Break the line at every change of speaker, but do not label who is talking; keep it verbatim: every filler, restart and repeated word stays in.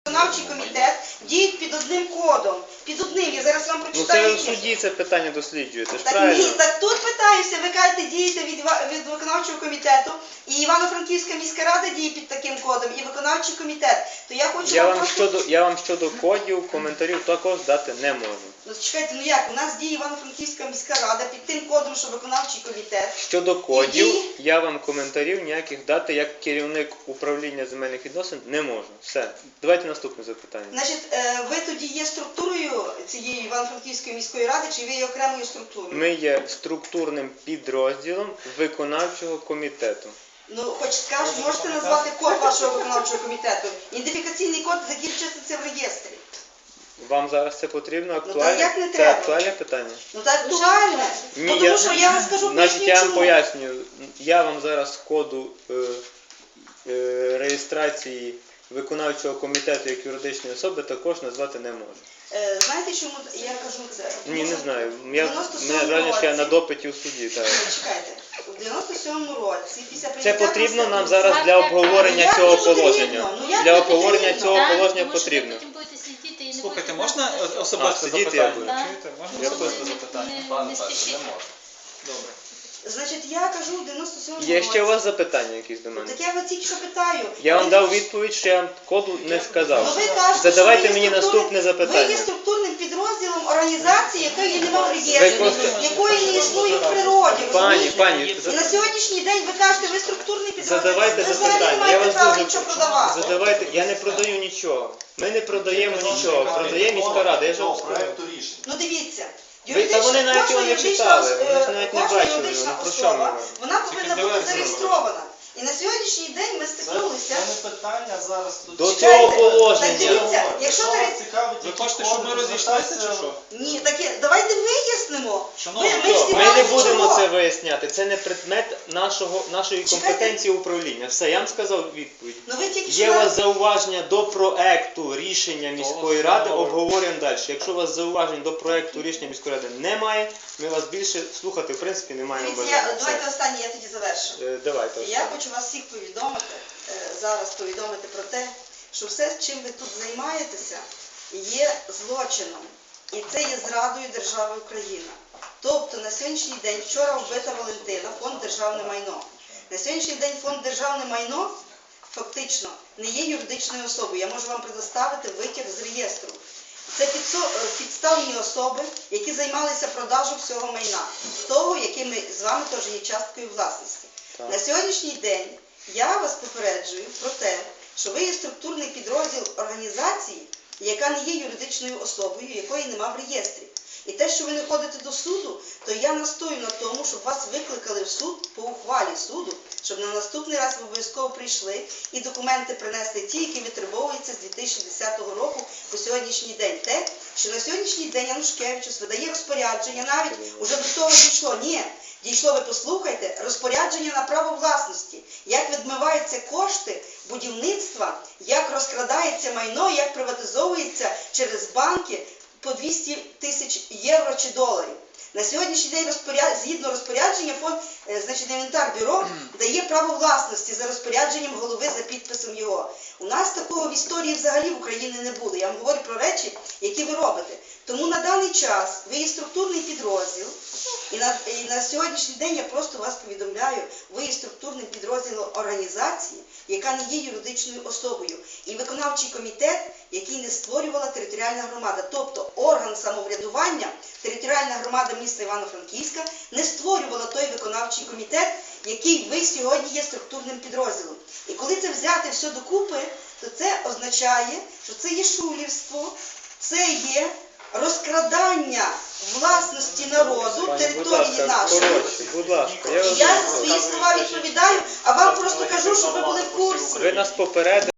Виконавчий комітет діють під одним кодом. Під одним. Я зараз вам
Ну
прочитаю.
це в суді це питання досліджуєте, ж
Так
правильно?
ні, так тут питаюся, ви кажете, дієте від, ва- від виконавчого комітету, і Івано-Франківська міська рада діє під таким кодом, і виконавчий комітет. То я хочу
Я
вам
вам,
просто...
щодо, я вам щодо кодів, коментарів також дати не можу.
Ну чекайте, ну як, у нас діє Івано-Франківська міська рада під тим кодом, що виконавчий комітет.
Щодо кодів,
Які?
я вам коментарів ніяких дати як керівник управління земельних відносин не можу. Все. Давайте наступне запитання.
Значить, е, ви тоді є структурою цієї Івано-Франківської міської ради, чи ви є окремою структурою?
Ми є структурним підрозділом виконавчого комітету.
Ну, хоч скажу, можете назвати код вашого виконавчого комітету? Ідентифікаційний код закінчується в реєстрі.
Вам зараз це потрібно?
та
Актуальне?
як не
Це
треба?
актуальне питання?
Ну так актуальне.
Ні,
Тому
я-
що я вам скажу,
Значить,
поясню,
я вам
чому.
пояснюю. Я вам зараз з коду е, е, реєстрації виконавчого комітету як юридичної особи також назвати не можу.
Е, знаєте, чому я кажу це?
Ні, не знаю.
В
Я,
дев'яносто
мене
сьомому
жаль, що я
році-
на допиті в суді. Так.
Чекайте, у дев'яносто сьомому році, після
Це
прийняття
потрібно нам
Конституції-
зараз для
Ну,
обговорення
як
цього
не потрібно?
положення.
Ну, як
Для
не
обговорення
потрібно?
цього
Так,
положення
тому що ви
потрібно.
потім будете сидіти і не
Слухайте,
будете
можна
знати, що-
особисте
А, сидіти я
запитання?
буду.
Так.
Чуєте? Можна
Я
особисте
не-
запитання?
не-
Пане
не
Петре,
спішіть.
не можна. Добре.
Значить, я кажу у дев'яносто сьомому
Є
році.
ще у вас запитання якісь до мене?
Так я вас тільки що питаю.
Я вам
Ви-
дав відповідь, що я вам коду не
Ну,
сказав.
ви кажете,
Задавайте
що ви
мені
є
наступне
структурним- Ви є
запитання.
структурним підрозділом організації, якої немає в
Ви
реєстрі,
просто-
якої не існує в природі.
Пані,
розумієте?
пані,
І на сьогоднішній день ви кажете, ви структурний підрозділ.
задавайте
ви взагалі не
запитання. Я
маєте
вас
права
дуже
нічого
прошу.
продавати.
Задавайте. Я не продаю нічого. Ми не продаємо нічого. Продає міська рада. Я ж вам сказав.
проекту рішення.
Ну дивіться.
Ви- та вони навіть
кожна
його не
юридична
читали,
ос-
вони ж
е,
навіть не
кожна
бачили,
юридична
ну, про що ми
особа,
говоримо?
вона повинна бути
дивитися.
зареєстрована. І на сьогоднішній день ми
Це,
стикнулися.
це не питання зараз
До
Чекайте,
цього
так
положення.
дивіться, якщо
вас
ви-
цікавить,
Ви
які
хочете, щоб
коди,
ми розійшлися чи
звертайтеся-
що?
Ні, таке, давайте вияснимо.
Шановні,
Ми-
що,
ми
Ми
зібрали
не будемо
чого?
це виясняти. Це не предмет нашого, нашої
Чекайте.
компетенції управління. Все, я вам сказав відповідь.
Ну ви тільки
Є
що
у
нам-
вас зауваження до проекту рішення міської ради, обговорюємо далі. Якщо у вас зауважень до проекту рішення міської ради немає, ми вас більше слухати в принципі не маємо
Дивіться, я-
бажання.
давайте
Все.
останнє, я тоді завершу.
Е, Давайте.
Я хочу вас всіх повідомити, е, зараз повідомити про те, що все, чим ви тут займаєтеся, є злочином. І це є зрадою держави Україна. Тобто на сьогоднішній день, вчора вбита Валентина, фонд Державне майно. На сьогоднішній день фонд Державне майно фактично не є юридичною особою. Я можу вам предоставити витяг з реєстру. Це підсо- е, підставні особи, які займалися продажем всього майна, того, який ми з вами теж є часткою власності.
Так.
На сьогоднішній день я вас попереджую про те, що ви є структурний підрозділ організації, яка не є юридичною особою, якої нема в реєстрі. І те, що ви не ходите до суду, то я настою на тому, щоб вас викликали в суд по ухвалі суду, щоб на наступний раз ви обов'язково прийшли і документи принесли ті, які витребовуються з дві тисячі десятого року по сьогоднішній день. Те, що на сьогоднішній день Янушкевичус видає розпорядження, навіть уже до того дійшло. Ні, дійшло, ви послухайте, розпорядження на право власності, як відмиваються кошти будівництва, як розкрадається майно, як приватизовується через банки по двісті тисяч євро чи доларів. На сьогоднішній день розпоряд... згідно розпорядження фонд, е, значить, інвентар бюро дає право власності за розпорядженням голови за підписом його. У нас такого в історії взагалі в Україні не було. Я вам говорю про речі, які ви робите. Тому на даний час ви є структурний підрозділ, і на, і на сьогоднішній день я просто вас повідомляю, ви є структурним підрозділом організації, яка не є юридичною особою. І виконавчий комітет, який не створювала територіальна громада. Тобто орган самоврядування, територіальна громада міста Івано-Франківська не створювала той виконавчий комітет, який ви сьогодні є структурним підрозділом. І коли це взяти все докупи, то це означає, що це є шулерство, це є розкрадання власності народу,
Пані, будь
території
ласка,
нашої.
коротше, будь ласка. Я
І
вас
я
дуже
за
прошу.
свої слова відповідаю, а вам просто кажу, щоб ви були в курсі.
Ви нас попередили.